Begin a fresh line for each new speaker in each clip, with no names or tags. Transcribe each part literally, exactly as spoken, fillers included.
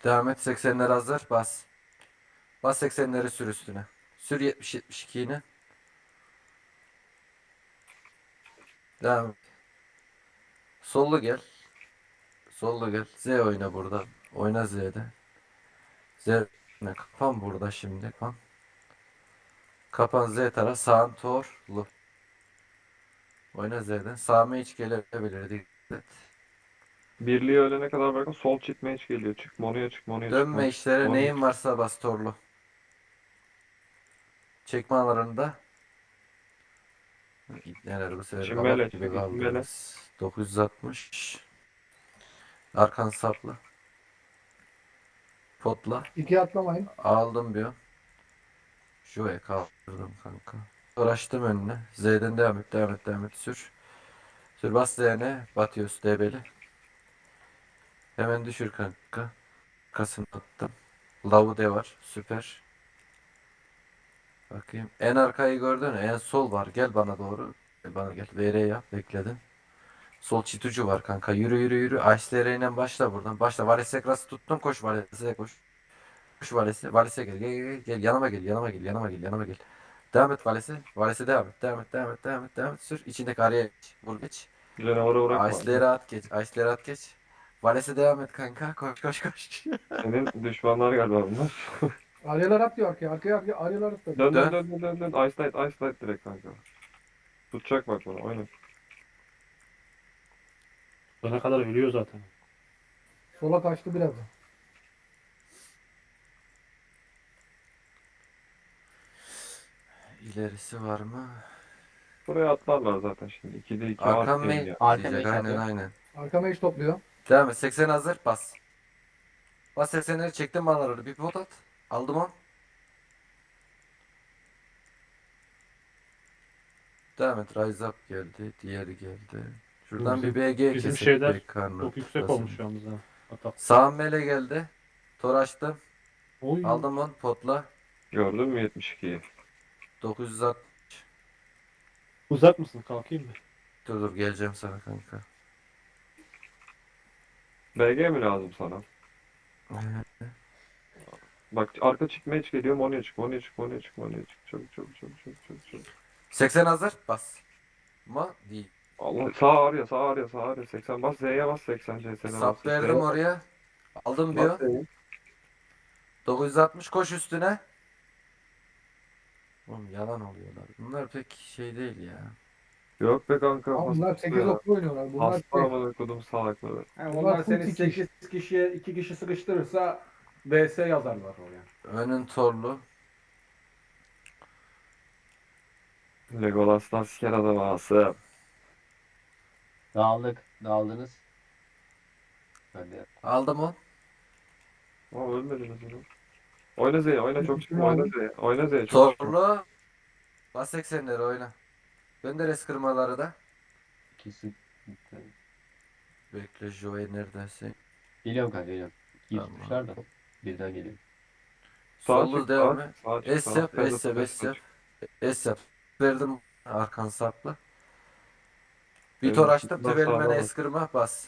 Devam et. seksenler hazır. Bas. Bas seksenleri sür üstüne. Sür yetmiş yetmiş iki yine. Devam et. Sollu gel. Sollu gel. Z oyna burada. Oyna Z'de. Z oyna. Kapan burada şimdi. Kapan. Kapan Z taraf. Sağın torlu. Oyna Z'den. Sağ hiç gelebilir. Dikkat et.
Birliği ölene kadar bakın sol çift mage geliyor. Çık monoya çık monoya çık
Dönme
monoya çık.
işlere.
Monoya
Neyin
çık.
varsa bas torlu. Çekme alanında. Neler bu sefer
Çimbele
kabak gibi
çek çimbele.
kaldınız. dokuz yüz altmış. Arkan saplı. Potla.
İkiye atlamayın.
Aldım bir. Şuraya kaldırdım kanka. Uğraştım önüne. Z'den devam et, devam et, devam et. Sür. Sür bas Z'ne. Batıyoruz debeli. Hemen düşür kanka. Kasım attım. Lavu de var. Süper. Bakayım. En arkayı gördün mü? En sol var. Gel bana doğru. Gel bana gel. V R yap. Bekledim. Sol çitucu var kanka. Yürü yürü yürü. Ice ile başla buradan. Başla. Valese krası tuttum. Koş Valese koş. Koş Valese. Valese gel. Gel gel gel. Gel. Yanıma gel. Yanıma gel. Yanıma gel. Yanıma gel. Devam et Valese. Valese devam et. Devam et. Devam et. Devam et. Devam et. Sür. İçindeki araya geç. Vur geç.
Canavarı bırakma.
Ice'leri at geç. Ice'leri at geç. Valese devam et kanka. Koş koş koş.
Senin düşmanlar galiba bunlar.
Aryalar at diyor arkaya. Arkaya arkaya aryalar at.
Dön dön
Dön.
dön dön dön dön. Ice light ice light direkt kanka. Tutacak bak bunu oyna.
Bana kadar ölüyor zaten.
Sola kaçtı biraz. da.
İlerisi var mı?
Buraya atlarlar zaten şimdi. ikide iki var
Arkan
değil
main
ya.
Arka
diyecek.
main
Aynen
atıyor.
aynen.
Arka mage topluyor.
Devam et. seksen hazır. Bas. Bas seksenleri çektim bana bir pot at. Aldım on. Devam et. Rise up geldi. Diğeri geldi. Şuradan
Bizim-
bir B G
bizim
kesip
şeyler
bir karnı
Çok yüksek
tutlasın.
olmuş yalnız ha. Atak.
Sağ mele geldi. Tor açtım.
Oy.
Aldım on potla.
Gördün mü yetmiş ikiyi?
dokuz yüz altmış.
Uzak mısın? Kalkayım mı?
Dur dur geleceğim sana kanka.
B G mi lazım sana? Bak arka çift mage geliyor. Monoya çık monoya çık monoya çık monoya çık. Çabuk çabuk çabuk çabuk çabuk çabuk.
seksen hazır. Bas. Ma değil.
Allah sağ ağrıyor sağ ağrıyor sağ ağrıyor. seksen bas Z'ye bas seksen C S'ne bas.
Sap verdim oraya. Aldım
Bas
bir.
Z'ye.
dokuz yüz altmış koş üstüne. Oğlum yalan oluyorlar. Bunlar pek şey değil ya.
Yok be kanka.
Ama bunlar
hasta
sekiz
ya.
oklu oynuyorlar. Bunlar
Hasta
tek.
amına kodum salakları.
Yani
Bunlar
onlar
full
seni
dikiş.
sekiz kişiye iki kişi sıkıştırırsa B S yazarlar oraya.
Önün torlu.
Legolas'tan siker adam ağası.
Dağıldık. Dağıldınız. Hadi.
Aldım on.
Ama ölmediniz onu. Oyna Z'ye oyna çok çıkma oyna Z'ye. Oyna Z'ye çok çıkma.
Torlu. Bas seksenleri oyna. Gönder eskırmaları da.
İkisi.
Bekle Joey neredesin?
Geliyorum kanka geliyorum. İyi
Tamam.
tutmuşlar da. Birden geliyor.
Sağ
Sollu
çık
devam
sağ.
et.
Sağ çık
Es
sağ.
yap, es yap, es yap. Es yap. Verdim arkan saplı. Bir
Evet,
tor açtım.
bas,
Tüvelime
sağ, bas.
eskırma bas.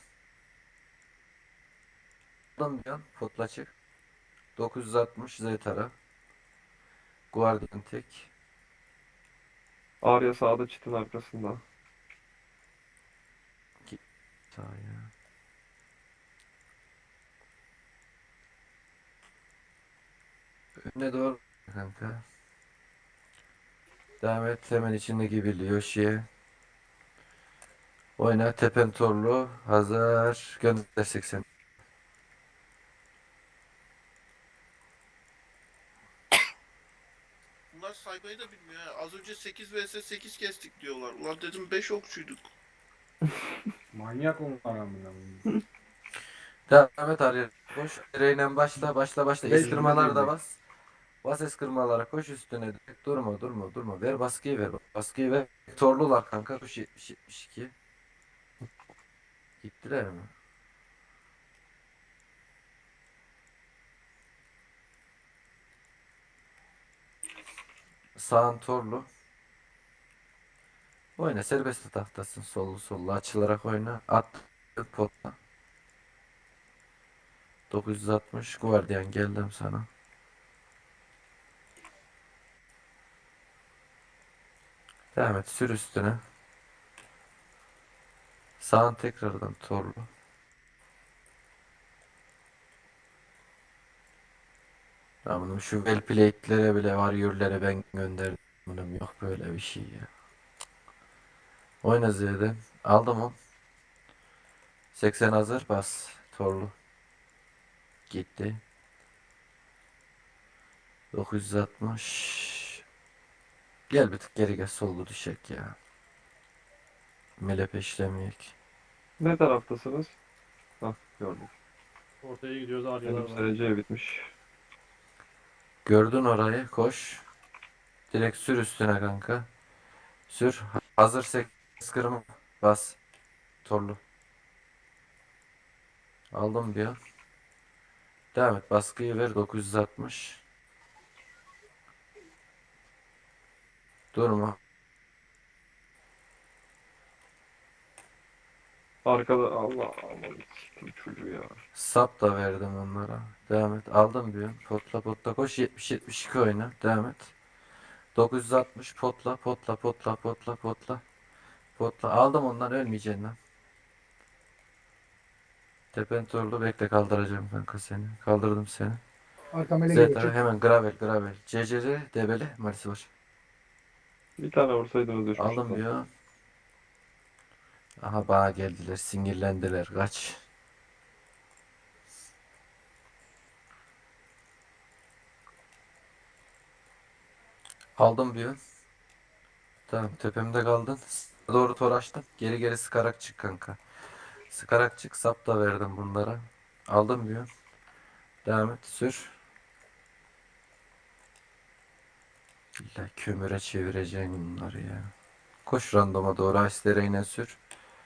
Aldım bir an. Potla çık. dokuz yüz altmış Z tara. Guardian tek.
Arya sağda çitin arkasında.
Sağ ya. Önüne doğru kanka. Devam et. Hemen içindeki birliği Yoshi'ye. Oyna. Tepen torlu. Hazır. Gönder seksen.
Bunlar saymayı da bilmiyor ha. Az önce sekiz vs sekiz kestik diyorlar. Ulan dedim beş okçuyduk.
Manyak onlar amına. koyayım.
Devam et Arya. Koş. Direğiyle başla. Başla başla.
Beş
Eskırmalar da
yirmi.
bas. Bas eskırmalara. Koş üstüne. Direkt. Durma durma durma. Ver baskıyı ver. Baskıyı ver. Torlular kanka. Koş yetmiş yetmiş iki. Gittiler mi? Sağın torlu. Oyna serbest tahtasın. Sollu sollu açılarak oyna. At potla. dokuz yüz altmış Guardian geldim sana. Devam et sür üstüne. Sağın tekrardan torlu. Tamam şu well plate'lere bile warrior'lere ben gönderdim. Bunun yok böyle bir şey ya. Oyna Z'den. Aldım o. seksen hazır bas. Torlu. Gitti. dokuz yüz altmış. Gel bir tık geri gel sollu düşek ya. Mele peşlemeyek.
Ne taraftasınız? Hah gördüm.
Ortaya gidiyoruz. Aryalar
Benim
var.
S C bitmiş.
Gördün orayı koş. Direkt sür üstüne kanka. Sür. Hazır sekiz kırma. Bas. Torlu. Aldım bir an. Devam et. Baskıyı ver dokuz yüz altmış. Durma.
Arkada Allah Allah. Siktir çocuğu ya.
Sap da verdim onlara. Devam et. Aldım bir an. Potla potla koş. yetmiş yetmiş iki oyna. Devam et. dokuz yüz altmış potla potla potla potla potla. Potla. Aldım ondan ölmeyeceksin lan. Tepen torlu bekle kaldıracağım kanka seni. Kaldırdım seni.
Arka mele geliyor.
Zeta
Çık.
hemen gravel gravel. C C R debeli Marisi var.
Bir tane vursaydınız düşmüştü.
Aldım bir an. Aha bana geldiler. Sinirlendiler. Kaç. Aldım bir an. Tamam tepemde kaldın. Sağa doğru tor açtım. Geri geri sıkarak çık kanka. Sıkarak çık. Sap da verdim bunlara. Aldım bir an. Devam et. Sür. İlla kömüre çevireceğim bunları ya. Koş randoma doğru. Ice'lere yine sür.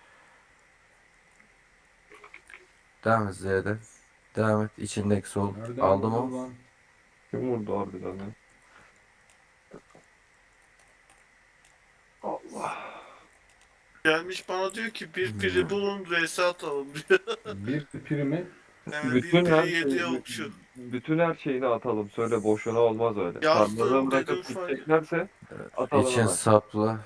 Devam et Z'den. Devam et. İçindeki sol.
Nereden
Aldım
vurdu
o.
lan?
Kim vurdu harbiden ya? Allah.
Gelmiş bana diyor ki bir
Hmm.
piri bulun vs atalım diyor.
Bir primi
Yani
Bütün
bir
her
piri yediye
şeyi,
okçu.
bütün her şeyini atalım. Söyle boşuna olmaz öyle.
Yazdım,
Tarlaları bırakıp
dedim falan.
gideceklerse atalım
İçin
hemen.
sapla.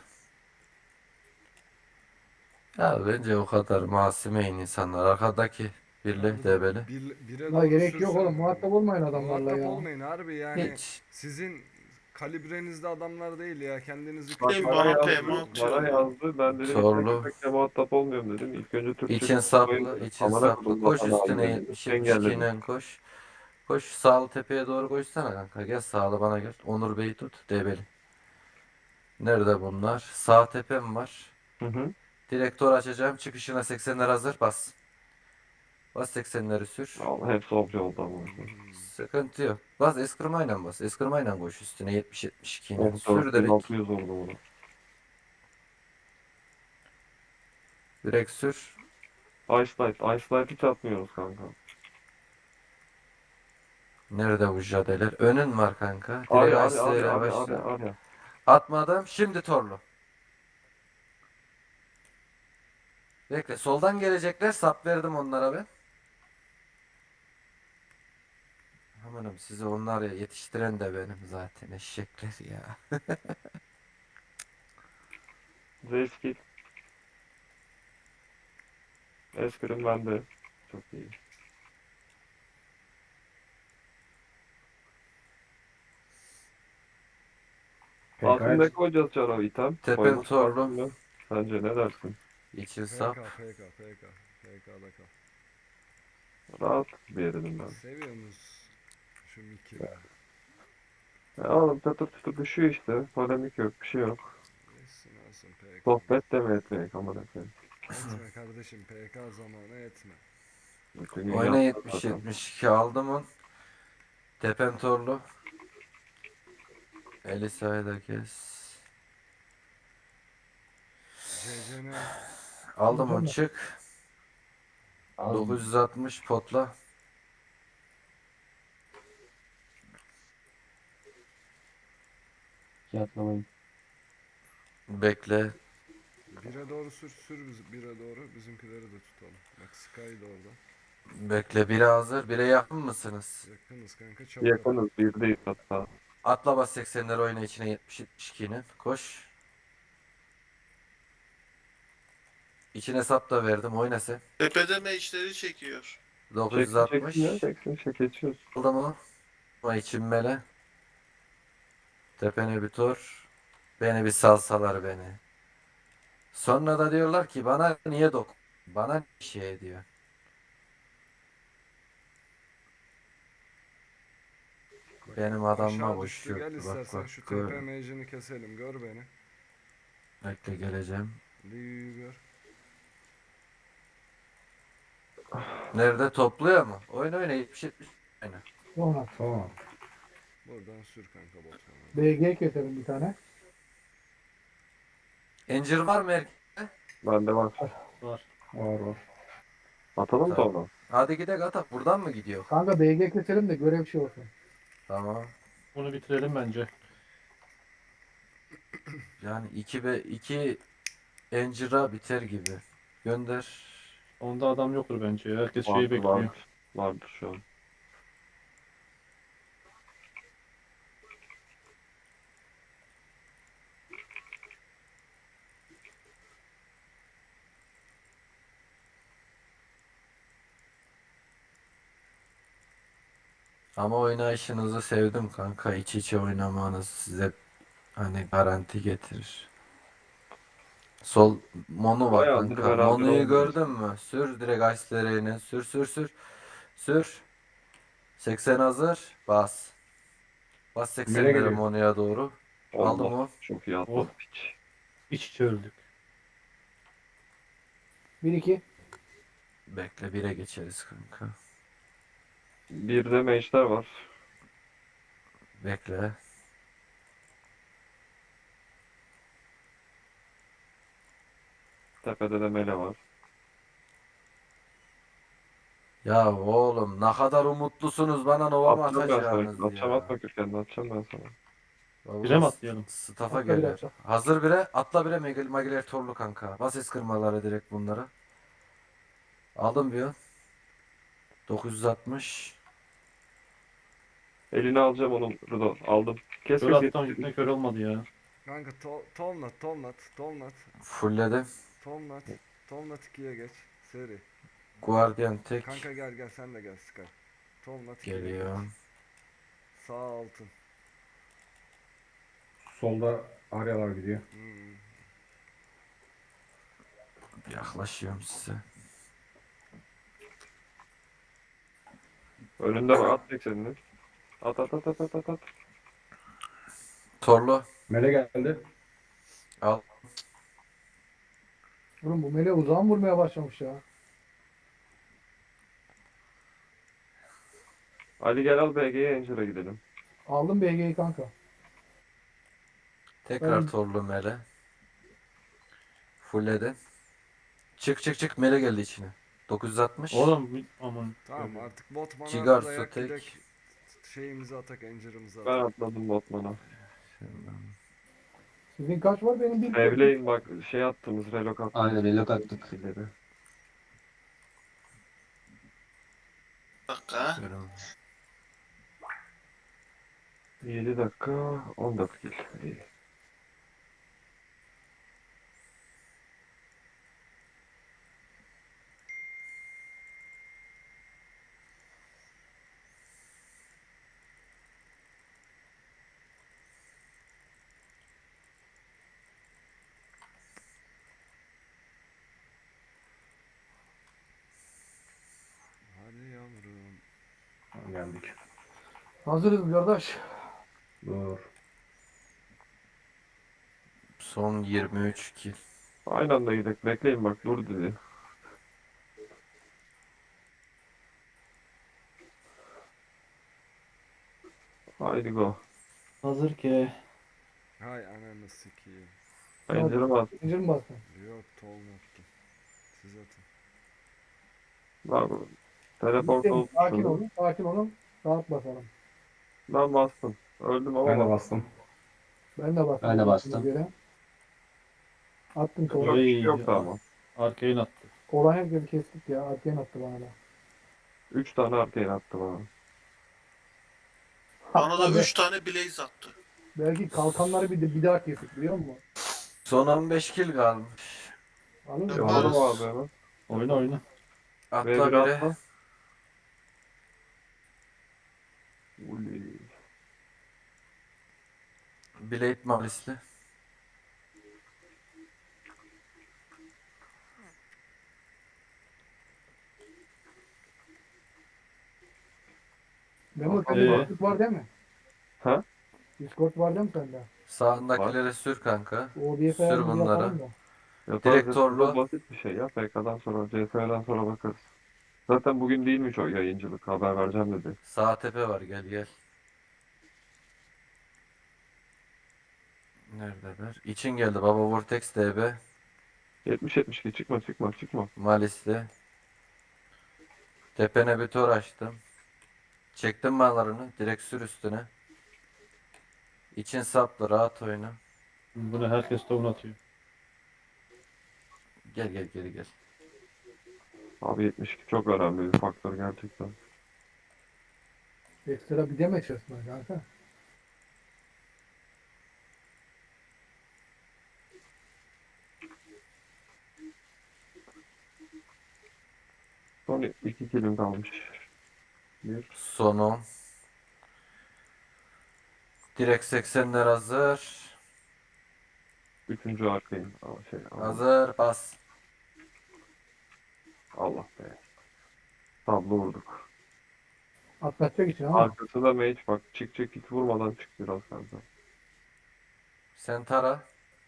Ya bence o kadar masumeyin insanlar. Arkadaki birle debeli.
Bir, bire
La
doğru
gerek yok
sürsün.
oğlum. Muhatap olmayın adamlarla
Muhatap
ya.
olmayın harbi yani.
Hiç.
Sizin kalibrenizde adamlar değil ya. Kendinizi
Bak
Benim
küçük
bana
bana
görmeyin.
yazdı,
peyman
bana
atıyor.
yazdı. Ben dedim
Sorulu.
ilk köpekle muhatap olmuyorum dedim. İlk önce Türkçe
İçin
konuşmayı
saplı,
dedim.
için
Amına
saplı.
kodum
Koş
vatanı
üstüne
haline dedim.
yetmiş yetmiş iki
Engelledim.
ile koş. Koş sağlı tepeye doğru koşsana kanka. Gel sağlı bana gel. Onur Bey'i tut. Debeli. Nerede bunlar? Sağ tepem var.
Hı hı.
Direktör açacağım. Çıkışına seksenler hazır. Bas. Bas seksenleri sür.
Allah hepsi obje oldu ama.
Sıkıntı yok. Bas eskırmayla bas. Eskırmayla koş üstüne yetmiş yetmiş iki ile. Sür
dört bin
direkt.
altı yüz oldu bunu.
Direkt sür.
Ice Light. Ice Light hiç atmıyoruz kanka.
Nerede bu jadeler? Önün var kanka. Direkt
Arya, Arya,
Ice'lere
Arya, Arya,
başla.
Arya, Arya.
Atmadım. Şimdi torlu. Bekle. Soldan gelecekler. Sap verdim onlara ben. Amanım sizi onlar ya yetiştiren de benim zaten eşekler ya.
Zeskil. Eskrim bende. Çok iyi. Altında koyacağız Çaro item.
Tepen
Koyması
torlu.
lazım mı? Sence ne dersin?
İçin
P K,
sap.
P K, P K. P K'da kal.
Rahat bir yerim ben.
Seviyorsunuz şu Mickey'i.
Ya oğlum çatır çatır düşüyor işte. Polemik yok, bir şey yok.
Yesin olsun P K.
Sohbet de mi etmeyek aman efendim.
Etme kardeşim P K zamanı etme.
Bütün gün
Oyna
yaptık
yetmiş
zaten.
yetmiş iki aldım on. Tepem torlu. Elisa'yı da kes.
C C N
Aldım on
Aldım.
çık.
Az
dokuz yüz altmış potla.
yatlamayın.
Bekle.
bire doğru sür sür biz bire doğru bizimkileri de tutalım. Bak Sky da orada.
Bekle, bire hazır. Bire yakın mısınız?
Yakınız kanka çabuk.
Yakınız. Birdeyiz hatta.
Atla bas seksenleri oyna içine yetmiş yetmiş ikinin. Koş. İçine sap da verdim. Oyna sen.
Tepede meşleri çekiyor.
dokuz yüz
Çeksin
altmış.
çeksin ya. Çeksin çek geçiyoruz.
Aldı mı? Ama için mele. Tepene bir tur. Beni bir salsalar beni. Sonra da diyorlar ki bana niye dok? Bana ne şey diyor. Benim adamıma
Aşağı
boş
düştü. Gel
yoktu. Bak
istersen
bak.
şu
Gör.
T P mage'ini keselim. Gör beni.
Bekle geleceğim.
Liu'yu gör.
Nerede topluyor mu? Oyna oyna yetmiş yetmiş. Aynen.
Sonra
Tamam.
Buradan sür kanka botmanı.
B G keselim bir tane.
Encir var mı erkek?
Bende var.
Var.
Var var.
Atalım
Tamam.
sonra.
Hadi gidelim atak. Buradan mı gidiyor?
Kanka B G keselim de görev şey olsun.
Tamam.
Bunu bitirelim bence.
Yani iki be iki Encir'a biter gibi. Gönder.
Onda adam yoktur bence ya. Herkes şeyi
Vardır,
bekliyor.
vardır. Vardır şu an.
Ama oynayışınızı sevdim kanka. İç içe oynamanız size hani garanti getirir. Sol Monu var
Bayağıdır
kanka.
beraber
Monu'yu
oynuyoruz.
gördün mü? Sür direkt Ice'lerine. Sür sür sür. Sür. seksen hazır. Bas. Bas
Nereye
seksenlere
geliyor?
Monu'ya doğru. Aldım
Allah.
o.
Çok iyi
Oh.
atladık hiç.
İç içe öldük.
bir iki.
Bekle bire geçeriz kanka.
Bir de meşler var.
Bekle.
Tepede de mele var.
Ya oğlum ne kadar umutlusunuz bana Nova mı
Atacağım ben sana.
atacağınız
Atacağım
ya.
atma kökenini atacağım ben sana.
Vallahi
Bire mi atlayalım?
Staff'a
Atla bire,
gelir.
atla.
Hazır bire. Atla bire Magil- Magiler Torlu kanka. Bas es kırmaları direkt bunları. Aldım bir. dokuz yüz altmış.
Elini alacağım onun Rudo. Aldım. Kes
Kör
kes
attım
yetiştir.
gitme kör olmadı ya.
Kanka to Tomnat, Tomnat, Tomnat,
Fullledim.
Tomnat, Tomnat ikiye geç. Seri.
Guardian tek.
Kanka gel gel sen de gel Sky. Tomnat ikiye geç.
Geliyor.
Sağ altın.
Solda Aryalar gidiyor.
Hmm.
Yaklaşıyorum size.
Önünde var. At eksenini. At at at at at at. at.
Torlu.
Mele geldi.
Al.
Oğlum bu mele uzağın vurmaya başlamış ya.
Ali gel al B G'ye Angel'a gidelim.
Aldım B G'yi kanka.
Tekrar
Ben-
Torlu Mele. Fullledim. Çık çık çık Mele geldi içine. dokuz yüz altmış.
Oğlum bir- aman.
Tamam artık botmana
Cigarsu
dayak
tek.
gidek. Şeyimizi atak, encirimizi
Ben
atak.
atladım Botman'a.
Sizin kaç var benim bir.
Evleyin bak şey attığımız relok attığımız.
Aynen relok attık.
ileri.
Bir dakika.
Görüyorum.
yedi dakika on dört kill. İyi.
Hadi yavrum.
Geldik.
Hazırız kardeş.
Dur.
Son yirmi üç kill.
Aynı anda gidelim. Bekleyin bak dur dedi. Haydi go.
Hazır ki.
Hay ananı sikeyim.
Angel'ım at.
Zincir mi bastın?
Yok Tomnat'tım. Siz atın.
Lan teleport
Sakin
olmuşsun.
olun. Sakin olun. Rahat basalım.
Ben bastım. Öldüm ama
Ben de
bastım.
bastım.
Ben de bastım.
Ben de bastım.
Göre. Attım
Çok
sola.
bir şey yoktu ama.
Arkayı attı.
Olan herkesi kestik ya. Arkayan attı bana da.
Üç tane arcane attı bana.
Bana da
Hatta be-
üç tane Blaze attı.
belki kalkanları bir, de, bir daha kesik biliyor musun?
Son on beş kill kalmış.
Alın mı?
Yapalım
Yaparız.
abi hemen.
Oyna oyna.
Atla
V bir
biri.
atla. Uli.
Blade Malisli.
Memo
Hakan
sende
var.
Discord var değil mi?
Ha?
Discord var değil mi sende?
Sağındakilere sür kanka.
O bir
Sür
ayarımızı
bunlara.
yapalım da.
Yaparız.
Direkt
Direkt
torlu.
basit bir şey ya. P K'dan sonra, C S'den sonra bakarız. Zaten bugün değilmiş o yayıncılık. Haber vereceğim dedi.
Sağ tepe var, gel gel. Neredeler? İçin geldi baba, Vortex D B.
yetmiş yetmiş iki çıkma çıkma çıkma.
Malisli. Tepene bir tor açtım. Çektim mallarını. Direkt sür üstüne. İçin saplı, rahat oyna.
Bunu herkes tohum atıyor.
Gel gel geri gel.
Abi yetmiş iki çok önemli bir faktör gerçekten.
Ekstra bir deme içerisinde kanka.
Son iki kilim kalmış. Bir.
Son on. Direkt seksenler hazır.
Üçüncü arkayım. Aa, şey, Allah,
Hazır. Bas.
Allah be. Tablo vurduk.
Atlatacak için ama.
Arkası da mage bak. Çık çık hiç vurmadan çık biraz kanka.
Sen tara.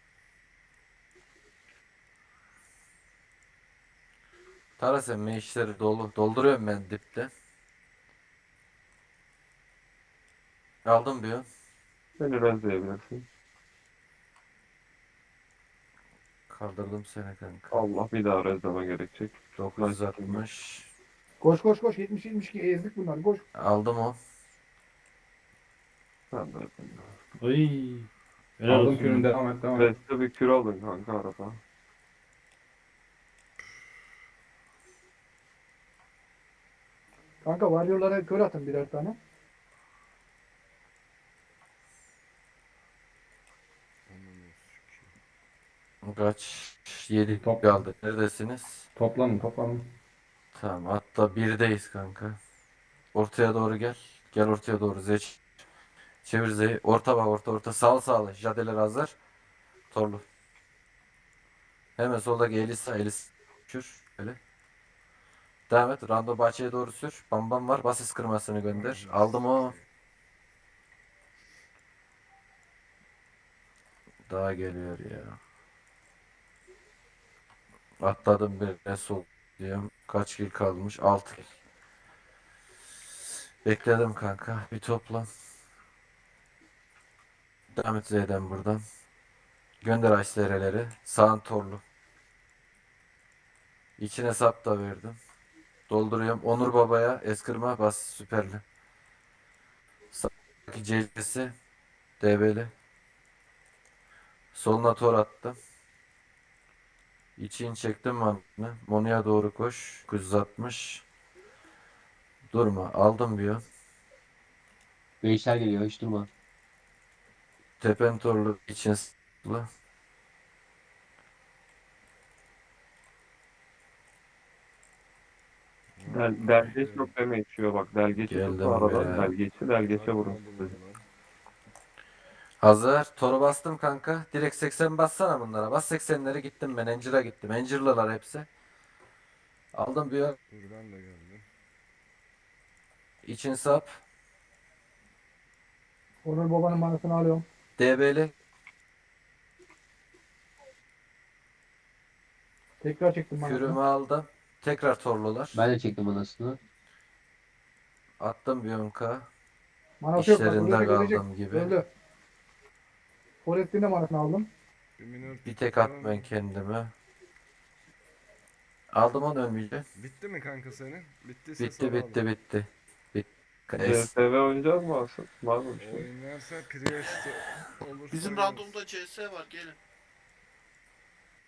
Tara sen meşleri dolu. Dolduruyorum ben dipte. Aldım bir yön.
Beni rezleyebilirsin.
Kaldırdım seni kanka.
Allah bir daha rezleme gerekecek.
dokuz yüz altmış.
Koş koş koş. yetmiş yetmiş iki ezdik bunlar. Koş.
Aldım o.
Sen de.
Ay. Helal
Aldım
olsun.
kürünü devam et devam et.
Reste bir kür alın kanka arada.
Kanka varyorlara kör atın birer tane.
Kaç? yedi
Top.
kaldı. Neredesiniz?
Toplanın toplanın.
Tamam, hatta birdeyiz kanka. Ortaya doğru gel. Gel ortaya doğru. Zeç. Çevir Z'yi. Orta bak, orta orta. Sağ sağlı. Jadeler hazır. Torlu. Hemen soldaki Elisa. Elisa. Şur. Böyle. Devam et. Rando bahçeye doğru sür. Bam bam var. Basis kırmasını gönder. Aldım o. Daha geliyor ya. Atladım bir sol diyorum. Kaç kill kalmış? altı kill. Bekledim kanka. Bir toplan. Devam et Z'den buradan. Gönder Aysereleri. Sağın torlu. İçine sap da verdim. Dolduruyorum. Onur Baba'ya eskırma bas süperli. Sağdaki C C'si D B'li. Soluna tor attım. İçin çektim manını. Monu'ya doğru koş. dokuz yüz altmış. Durma. Aldım bir yön.
Gençler geliyor hiç durma.
Tepen torlu için sıklı.
Del, delgeç yok deme içiyor bak. Delgeçi
Geldim
tutma aradan.
be.
Delgeçi delgeçe vurun.
Hazır. Toru bastım kanka. Direkt seksen bassana bunlara. Bas seksenleri, gittim ben. Encir'e gittim. Encir'lılar hepsi. Aldım bir yön.
Dur ben de geldim.
İçin sap.
Onur babanın manasını alıyorum.
D B'li.
Tekrar çektim
Kürümü
manasını.
aldım. Tekrar torlular.
Ben de çektim anasını.
Attım bir yön K.
Manası yok bak.
İşlerinde
Ölecek ölecek.
kaldım gibi.
Öldü. Forest'in de manasını aldım.
Bir minör
Bir tek
tutalım.
at ben kendime. Aldım onu, ölmeyecek.
Bitti mi kanka senin? Bittiyse
Bitti
sana
bitti
alın.
bitti. Bitti.
C
Es.
S V oynayacağız mı Asım? Var mı bir şey?
Oynarsa Priest olursa
Bizim
oynarız.
randomda C S var gelin.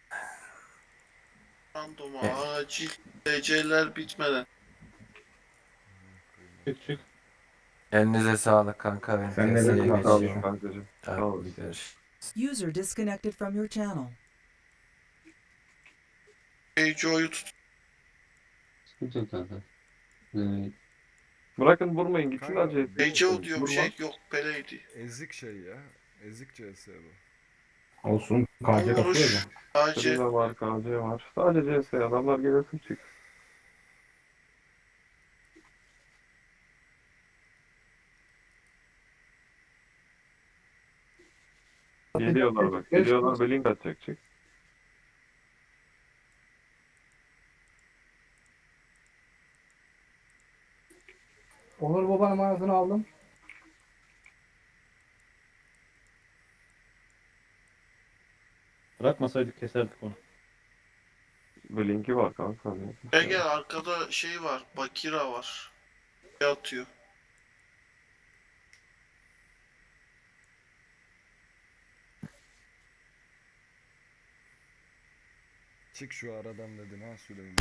Random
Evet.
acil D C'ler bitmeden.
Çık çık.
Elinize sağlık kanka. Ben
Sen de
piyasaya
eline
Sağ olun
geçeyim.
kankacığım. Sağ
Hadi
olun.
görüşürüz.
User disconnected from your channel.
H O'yu tut.
Sıkıntı yok kanka. Evet.
Bırakın vurmayın gitsin
Kanka,
acele etmeyin.
H O diyor bir
Vurma.
şey yok Pele'ydi.
Ezik şey ya. Ezik C S bu.
Olsun. K C kasıyor
Vuruş.
ya.
Sadece
Prima var, K C var. Sadece C S adamlar gelirsin çık. Geliyorlar bak. Geliyorlar Blink atacak çık.
Onur babanın manasını aldım.
Bırakmasaydık keserdik onu.
Blink'i var kanka.
gel gel arkada şey var. Bakira var. Ne atıyor?
Çık şu aradan dedin ha Süleyman.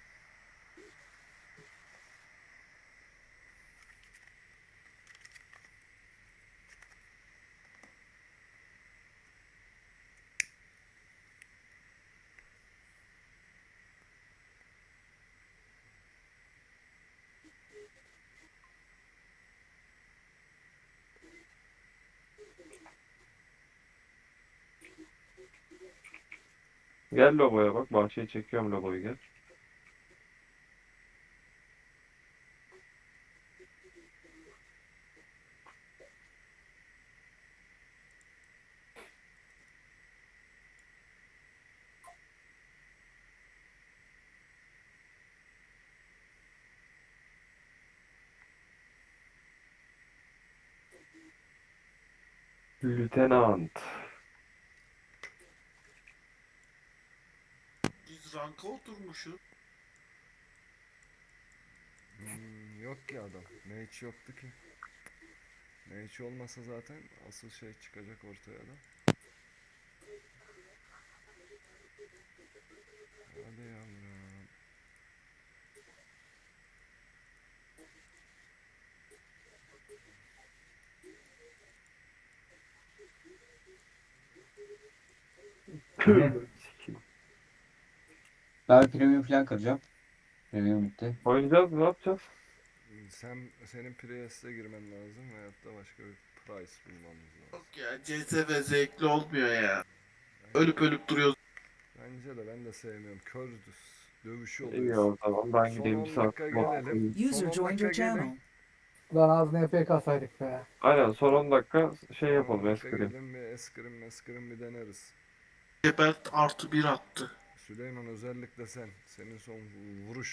Gel logoya bak. Bahçeye çekiyorum logoyu gel. Lieutenant.
Biz ranka oturmuşuz.
Hmm, yok ki adam. Mage yoktu ki. Mage olmasa zaten asıl şey çıkacak ortaya da. Hadi yavrum.
Ben premium falan kıracağım. Premium bitti.
Oynayacağız mı? Ne yapacağız?
Sen senin Priest'e girmen lazım veyahut da başka bir price bulmamız lazım.
Yok ya C S ve zevkli olmuyor ya. Ölüp ölüp duruyoruz.
Bence de ben de sevmiyorum. Kör dövüşü
İyi
oluyor.
o zaman ben
Son
gideyim
on
bir saat.
dakika gelelim. Son
User
on
joined
dakika
your
gelin.
channel.
Lan az N F K saydık be.
Aynen son on dakika şey
on
yapalım
dakika
eskrim.
gelin bir eskrim eskrim bir deneriz.
Gebert artı bir attı.
Süleyman özellikle sen. Senin son vuruş